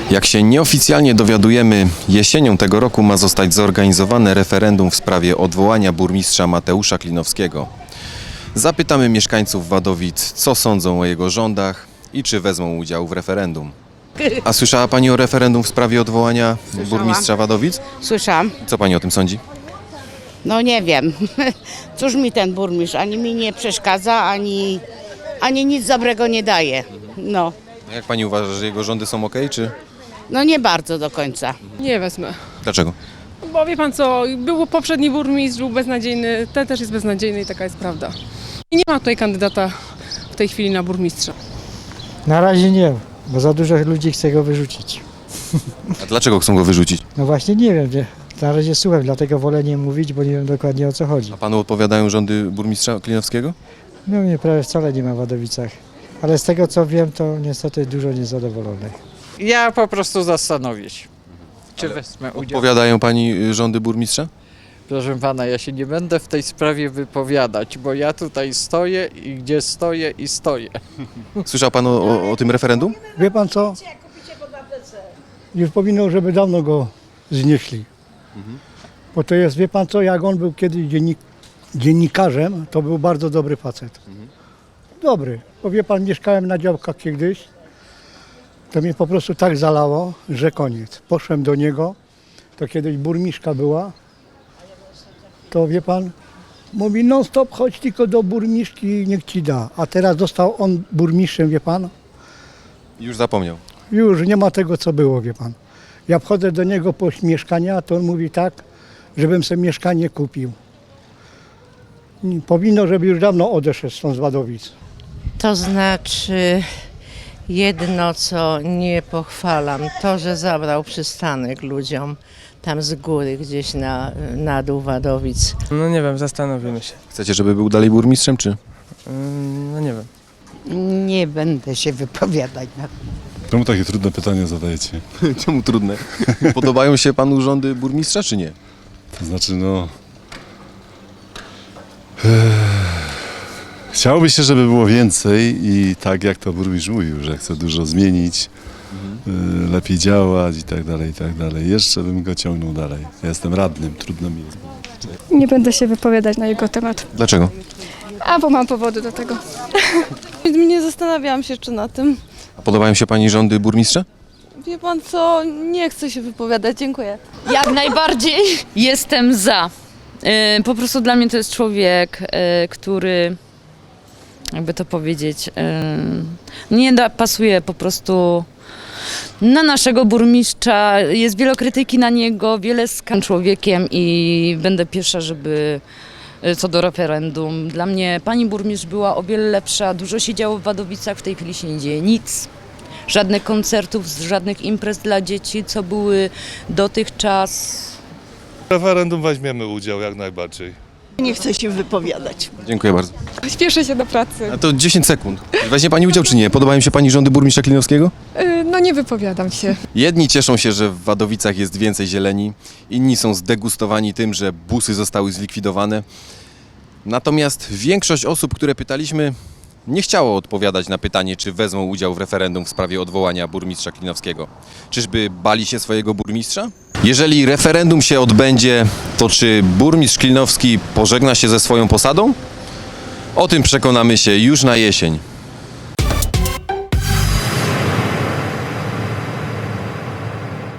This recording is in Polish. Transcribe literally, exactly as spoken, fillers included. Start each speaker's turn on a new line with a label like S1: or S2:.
S1: Jak się nieoficjalnie dowiadujemy, jesienią tego roku ma zostać zorganizowane referendum w sprawie odwołania burmistrza Mateusza Klinowskiego. Zapytamy mieszkańców Wadowic, co sądzą o jego rządach i czy wezmą udział w referendum. A słyszała Pani o referendum w sprawie odwołania
S2: Słyszałam.
S1: burmistrza Wadowic?
S2: Słyszałam.
S1: Co Pani o tym sądzi?
S2: No nie wiem. Cóż mi ten burmistrz? Ani mi nie przeszkadza, ani, ani nic dobrego nie daje. No.
S1: Jak Pani uważa, że jego rządy są ok, czy
S2: No nie bardzo do końca.
S3: Nie wezmę.
S1: dlaczego?
S3: Bo wie pan co, był poprzedni burmistrz, był beznadziejny, ten też jest beznadziejny i taka jest prawda. I nie ma tutaj kandydata w tej chwili na burmistrza.
S4: Na razie nie, bo za dużo ludzi chce go wyrzucić.
S1: A dlaczego chcą go wyrzucić?
S4: No właśnie nie wiem, nie. Na razie słucham, dlatego wolę nie mówić, bo nie wiem dokładnie o co chodzi.
S1: A Panu odpowiadają rządy burmistrza Klinowskiego?
S4: No mnie prawie wcale nie ma w Wadowicach. Ale z tego co wiem, to niestety dużo niezadowolonych.
S5: Ja po prostu zastanowię się, czy wezmę udział.
S1: Odpowiadają Pani y, rządy burmistrza?
S5: Proszę pana, ja się nie będę w tej sprawie wypowiadać, bo ja tutaj stoję i gdzie stoję i stoję.
S1: Słyszał Pan o, o, o tym referendum?
S6: Wie pan co? Już powinno, żeby dawno go znieśli. Bo to jest, wie pan co, jak on był kiedyś dziennik, dziennikarzem, to był bardzo dobry facet. Dobry. Bo wie pan, mieszkałem na działkach kiedyś, to mnie po prostu tak zalało, że koniec. Poszłem do niego, to kiedyś burmiszka była, to wie pan, mówi non stop, chodź tylko do burmiszki, niech ci da. A teraz został on burmistrzem, wie pan.
S1: Już zapomniał.
S6: Już nie ma tego, co było, wie pan. Ja wchodzę do niego po mieszkania, to on mówi tak, żebym sobie mieszkanie kupił. Nie, powinno, żeby już dawno odeszedł stąd z Wadowic.
S7: To znaczy jedno, co nie pochwalam, to, że zabrał przystanek ludziom tam z góry gdzieś na, na dół Wadowic.
S8: No nie wiem, zastanowimy się.
S1: Chcecie, żeby był dalej burmistrzem, czy?
S8: Ym, No nie wiem.
S9: Nie będę się wypowiadać na
S10: Czemu takie trudne pytania zadajecie?
S1: Czemu trudne? Podobają się Panu rządy burmistrza, czy nie?
S10: To znaczy, no... Eee, Chciałoby się, żeby było więcej i tak jak to burmistrz mówił, że chce dużo zmienić, e, lepiej działać i tak dalej, i tak dalej. Jeszcze bym go ciągnął dalej. Ja jestem radnym, trudno mi jest.
S11: Nie będę się wypowiadać na jego temat.
S1: Dlaczego?
S11: A, bo mam powody do tego.
S12: Nie zastanawiałam się jeszcze na tym.
S1: A podobają się Pani rządy burmistrza?
S12: Wie pan co, nie chcę się wypowiadać, dziękuję.
S13: Jak najbardziej jestem za. Yy, Po prostu dla mnie to jest człowiek, yy, który, jakby to powiedzieć, yy, nie da, pasuje po prostu na naszego burmistrza. Jest wiele krytyki na niego, wiele skan człowiekiem i będę pierwsza, żeby yy, co do referendum. Dla mnie pani burmistrz była o wiele lepsza, dużo się działo w Wadowicach, w tej chwili się nie dzieje nic. Żadnych koncertów, żadnych imprez dla dzieci, co były dotychczas.
S10: W referendum weźmiemy udział jak najbardziej.
S9: Nie chcę się wypowiadać.
S1: Dziękuję bardzo.
S11: Śpieszę się do pracy.
S1: A to dziesięć sekund. Weźmie Pani udział, czy nie? Podobają się Pani rządy burmistrza Klinowskiego?
S11: Yy, no nie wypowiadam się.
S1: Jedni cieszą się, że w Wadowicach jest więcej zieleni, inni są zdegustowani tym, że busy zostały zlikwidowane. Natomiast większość osób, które pytaliśmy, nie chciało odpowiadać na pytanie, czy wezmą udział w referendum w sprawie odwołania burmistrza Klinowskiego. Czyżby bali się swojego burmistrza? Jeżeli referendum się odbędzie, to czy burmistrz Klinowski pożegna się ze swoją posadą? O tym przekonamy się już na jesień.